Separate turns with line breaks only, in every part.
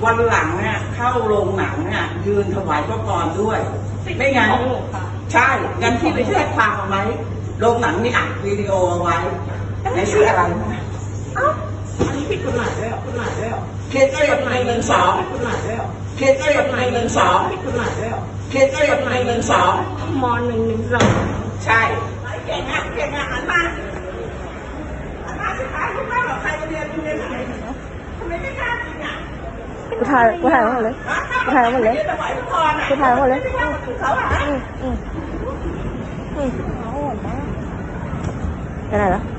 วันหลังเนี่ยเข้าโรงหนังเนี่ยยืนถวายพระพรด้วยไม่งั้นใช่งั้นที่ไปแจ้งความเอาไว้โรงหนังนี่อัดวิดีโอเอาไว้ในชื่ออะไรนะ
อันนี้ผิดกฎหมายด้วยกฎหมายด้วย
เคส112
กฎหมายด้วย
เคส112
ผิดกฎหมายด้วย
เคส112
ม.112ใช่
เก่งอ่ะหันมาสุดท้ายคุณแม่บอกใครเรียนไหนทำไมไม่กล้าจริงอ่ะ
กูถ่ายหมดเลยไปไหนแล้ว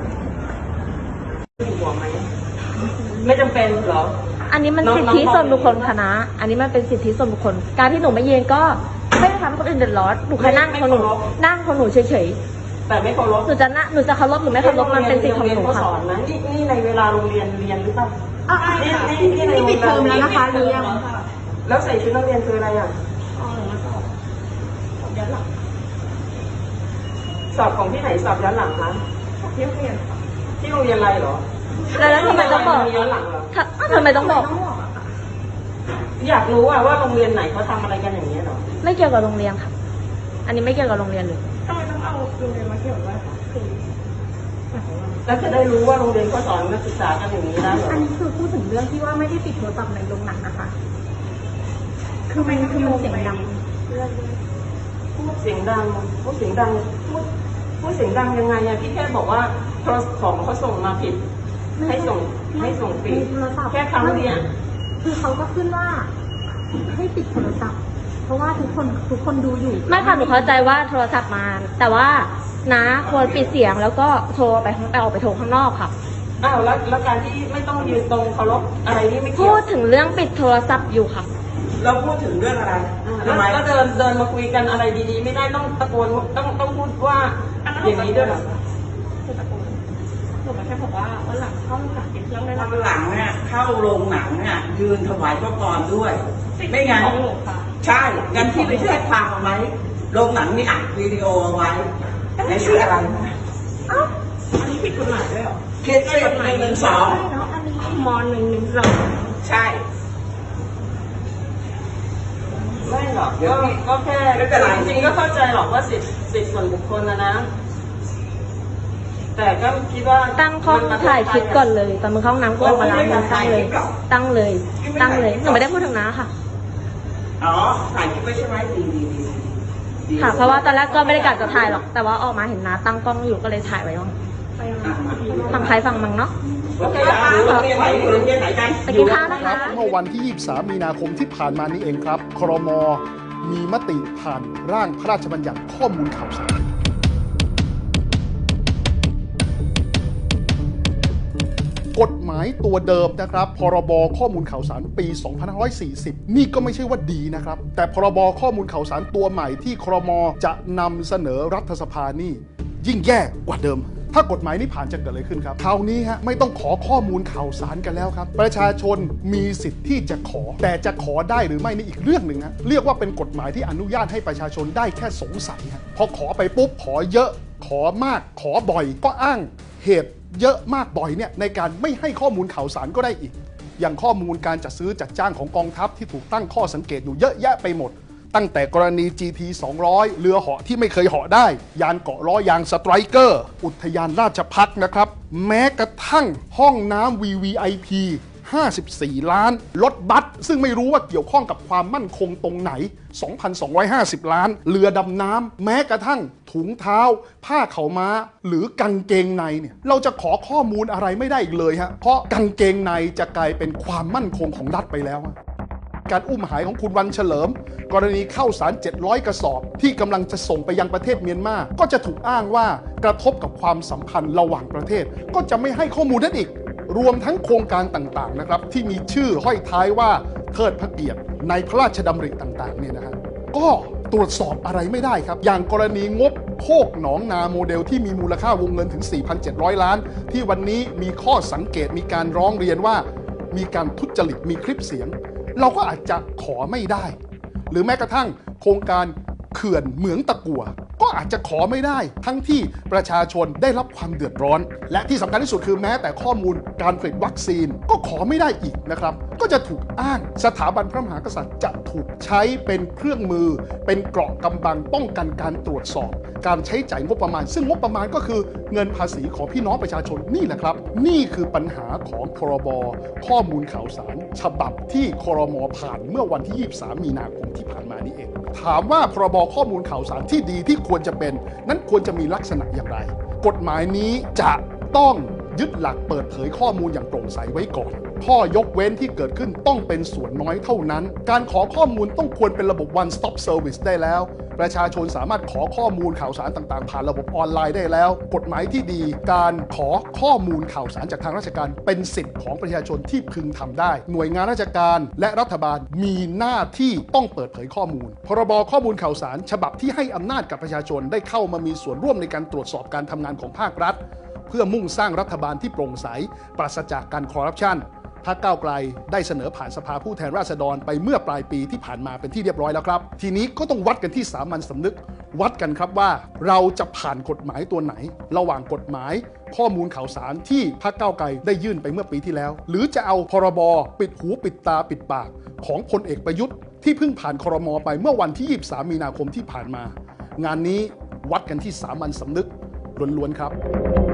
ห่วงไหมไม่จำเป็นหรอ
อันนี้มันสิทธิส่วนบุคคลค่ะนะอันนี้มันเป็นสิทธิส่วนบุคคลการที่หนูไม่ยืนก็ไม่ได้ทำให้คนอื่นเดือดร้อนหนูแค่นั่งของหนูเฉย
ๆแต่ไม่เคารพ
หนูจะเคารพหรือไม่เคารพมันเป็นสิทธิของหนูค่ะ
นี่ในเวลาโรงเรียนหรือเปล่า
นี่ปิดเทอมแล้วนะคะหรือยัง
แล้วใส่ชุดนักเรียนคืออะไรอ่ะสอบของที่ไหนสอบย้อนหลังคะที่โรงเรียนอะไรเหรอ
แล้วทำไมต้องบอก
ย้อนหลังเหรอ
ทำไมต้องบอก
อยากรู้ว่าโรงเรียนไหนเขาทำอะไรกันอย่างนี้หรอ
ไม่เกี่ยวกับโรงเรียนค่ะอันนี้ไม่เกี่ยวกับโรงเรียนเลย
ทำไมต้องเอาโรงเรียนมาเกี่ยวด้วยคะ
แล้วจะได้รู้ว่าโรงเรียนเขาสอนนักศึกษากันอย่างนี้ได้เหรอ
อันนี้คือพูดถึงเรื่องที่ว่าไม่ได้ปิดโทรศัพท์ในโรงหนังนะคะคือมันเสียงดัง
พูดเสียงดังพูดเสียงดังยังไงอะพี่แค่บอกว่าโทรศัพท์เขาส่งมาผิดให้ส่งปิดแค่ครั้งเดียว
คือเขาก็ขึ้นว่าให้ปิดโทรศัพท์เพราะว่าทุกคนดูอยู่
ไม่ค่ะหนูเข้าใจว่าโทรศัพท์มาแต่ว่านะควรปิดเสียงแล้วก็โทรไปออกไปโทรข้างนอกค่ะ
อ้าวแล้วการที่ไม่ต้องยืนตรงเคารพอะไรนี่ไม่เกี่ยว
พูดถึงเรื่องปิดโทรศัพท์อยู่ค่ะ
เราพูดถึงเรื่องอะไรแล้วเดินมาคุยกันอะไรดีๆไม่ได้ต้องตะโกนต้องพูดว่าอย่างนี้ด้วยหรอ
หนูแค่บอกว่าวันหลังเข้าโรงหนังเป็นเรื่องได้
วันหลังเนี่ยเข้าโรงหนังเนี่ยยืนถวายพระพรด้วยไม่งั้นใช่งั้นที่ไปแจ้งความเอาไว้โรงหนังนี่อัดวิดีโอเอาไว้ในชื่ออะไรนะ
อันนี้ผิดกฎหมายด้วย
เคส112
ม.112
ใช่ไม่หรอกก็แค่จริงๆก็เข้าใจหรอกว่าสิทธิส่วนบุคคลนะแต่ก็คิดว่า
ตั้งข้อถ่ายคลิปก่อนเลยตอนมึงเข้าห้องน้ำก็ออกมาล้างมือตั้งเลยหนูไม่ได้พูดถึงน้าค่ะ
อ๋อถ่ายคลิปไม่ใช่ไหมดี
ค่ะเพราะว่าตอนแรกก็ไม่ได้กะจะถ่ายหรอกแต่ว่าออกมาเห็นน้าตั้งกล้องอยู่ก็เลยถ่ายไว้ว่าฝั่งใครฝั่งมึงเนาะไปกินข้าวนะคะ
เมื่อวันที่ 23 มีนาคมที่ผ่านมานี้เองครับครม.มีมติผ่านร่างพระราชบัญญัติข้อมูลข่าวสารกฎหมายตัวเดิมนะครับพรบข้อมูลข่าวสารปี 2540 นี่ก็ไม่ใช่ว่าดีนะครับแต่พรบข้อมูลข่าวสารตัวใหม่ที่ครม.จะนำเสนอรัฐสภานี่ยิ่งแย่กว่าเดิมถ้ากฎหมายนี้ผ่านจะเกิดอะไรขึ้นครับคราวนี้ฮะไม่ต้องขอข้อมูลข่าวสารกันแล้วครับประชาชนมีสิทธิ์ที่จะขอแต่จะขอได้หรือไม่นี่อีกเรื่องหนึ่งฮะเรียกว่าเป็นกฎหมายที่อนุญาตให้ประชาชนได้แค่สงสัยฮะพอขอไปปุ๊บขอเยอะขอมากขอบ่อยก็อ้างเหตุเยอะมากบ่อยเนี่ยในการไม่ให้ข้อมูลข่าวสารก็ได้อีกอย่างข้อมูลการจัดซื้อจัดจ้างของกองทัพที่ถูกตั้งข้อสังเกตอยู่เยอะแยะไปหมดตั้งแต่กรณี GT 200เรือเหาะที่ไม่เคยเหาะได้ยานเกาะล้อยางสไตรเกอร์อุทยานราชภัฏนะครับแม้กระทั่งห้องน้ำ VVIP 54 ล้านรถบัสซึ่งไม่รู้ว่าเกี่ยวข้องกับความมั่นคงตรงไหน 2,250 ล้านเรือดำน้ำแม้กระทั่งถุงเท้าผ้าเข่าม้าหรือกางเกงในเนี่ยเราจะขอข้อมูลอะไรไม่ได้อีกเลยฮะเพราะกางเกงในจะกลายเป็นความมั่นคงของรัฐไปแล้วการอุ้มหายของคุณวันเฉลิมกรณีข้าวสาร700 กระสอบที่กำลังจะส่งไปยังประเทศเมียนมาก็จะถูกอ้างว่ากระทบกับความสัมพันธ์ระหว่างประเทศก็จะไม่ให้ข้อมูลนั้นอีกรวมทั้งโครงการต่างๆนะครับที่มีชื่อห้อยท้ายว่าเทิดพระเกียรติในพระราชดำริต่างๆเนี่ยนะฮะก็ตรวจสอบอะไรไม่ได้ครับอย่างกรณีงบโคกหนองนาโมเดลที่มีมูลค่าวงเงินถึง 4,700 ล้านที่วันนี้มีข้อสังเกตมีการร้องเรียนว่ามีการทุจริตมีคลิปเสียงเราก็อาจจะขอไม่ได้หรือแม้กระทั่งโครงการเขื่อนเหมืองตะกั่วก็อาจจะขอไม่ได้ทั้งที่ประชาชนได้รับความเดือดร้อนและที่สำคัญที่สุดคือแม้แต่ข้อมูลการผลิตวัคซีนก็ขอไม่ได้อีกนะครับก็จะถูกอ้างสถาบันพระมหากษัตริย์จะถูกใช้เป็นเครื่องมือเป็นเกราะกำบังป้องกันการตรวจสอบการใช้จ่ายงบประมาณซึ่งงบประมาณก็คือเงินภาษีของพี่น้องประชาชนนี่แหละครับนี่คือปัญหาของพรบข้อมูลข่าวสารฉบับที่ครม.ผ่านเมื่อวันที่ 23 มีนาคมที่ผ่านมานี่เองถามว่าพรบข้อมูลข่าวสารที่ดีที่ควรจะเป็นนั้นควรจะมีลักษณะอย่างไรกฎหมายนี้จะต้องยึดหลักเปิดเผยข้อมูลอย่างโปร่งใสไว้ก่อนข้อยกเว้นที่เกิดขึ้นต้องเป็นส่วนน้อยเท่านั้นการขอข้อมูลต้องควรเป็นระบบ one stop service ได้แล้วประชาชนสามารถขอข้อมูลข่าวสารต่างๆผ่านระบบออนไลน์ได้แล้วกฎหมายที่ดีการขอข้อมูลข่าวสารจากทางราชการเป็นสิทธิ์ของประชาชนที่พึงทำได้หน่วยงานราชการและรัฐบาลมีหน้าที่ต้องเปิดเผยข้อมูลพรบข้อมูลข่าวสารฉบับที่ให้อำนาจกับประชาชนได้เข้ามามีส่วนร่วมในการตรวจสอบการทำงานของภาครัฐเพื่อมุ่งสร้างรัฐบาลที่โปร่งใสปราศจากการคอร์รัปชันพรรคก้าวไกลได้เสนอผ่านสภาผู้แทนราษฎรไปเมื่อปลายปีที่ผ่านมาเป็นที่เรียบร้อยแล้วครับทีนี้ก็ต้องวัดกันที่สามัญสำนึกวัดกันครับว่าเราจะผ่านกฎหมายตัวไหนระหว่างกฎหมายข้อมูลข่าวสารที่พรรคก้าวไกลได้ยื่นไปเมื่อปีที่แล้วหรือจะเอาพรบปิดหูปิดตาปิดปากของพลเอกประยุทธ์ที่เพิ่งผ่านครม.ไปเมื่อวันที่ 23 มีนาคมที่ผ่านมางานนี้วัดกันที่สามัญสำนึกล้วนๆครับ